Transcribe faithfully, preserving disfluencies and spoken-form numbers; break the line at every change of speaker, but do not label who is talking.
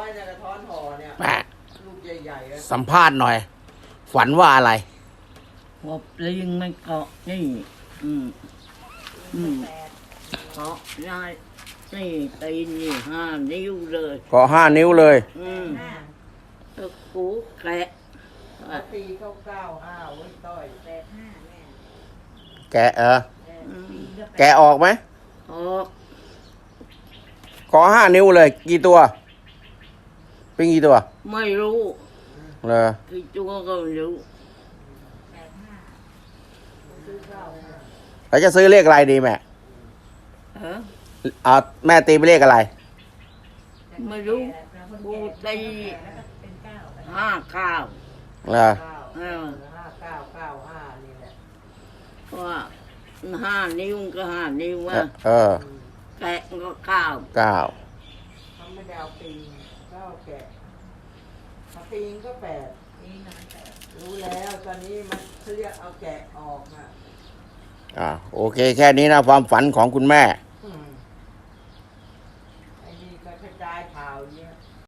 เนี่ยกระท้อนห่อเนี่ย
แม่
ลูกใหญ่ๆอะ
สัมภาษณ์หน่อย ฝันว่าอะไร
หัวปลิงมันเกาะนี่อืมอืมเกาะได้นี่ตีนนี่ห้านิ้วเลย
ก็ห้านิ้วเลย
อืมตะกูแกะ
เอาปีเข้าเก้าห้าไว้ต้อยแปดห้าแม่
แกะเออ
อืม
แกะออกไหม
ออก
ก็ห้านิ้วเลย กี่ตัว เป็นกี่ตัว
ไม่รู้
เลย
กี่ตัวก็ไม่รู้
แล้วจะซื้อเลขอะไรดีแม่
ฮะ
เอาแม่ตีไปเลขอะไร
ไม่รู้กูตีห้าเก้า
เลย
เก้า
เออ
ห้าเก้าเก้าห้านี่แหละ
ว่าห้านิ้วก็ห้านิ้ว
เอ
ว่า
อเออ
แกะก็เก้า
เก้า
เขาไม่ได้เอาปีนก็เอาแกะเอาปีนก็แปดรู้แล้วตอนนี้มันเขาเรียกเอาแกะออกนะ
อ่าโอเค แค่นี้นะความฝันของคุณแม่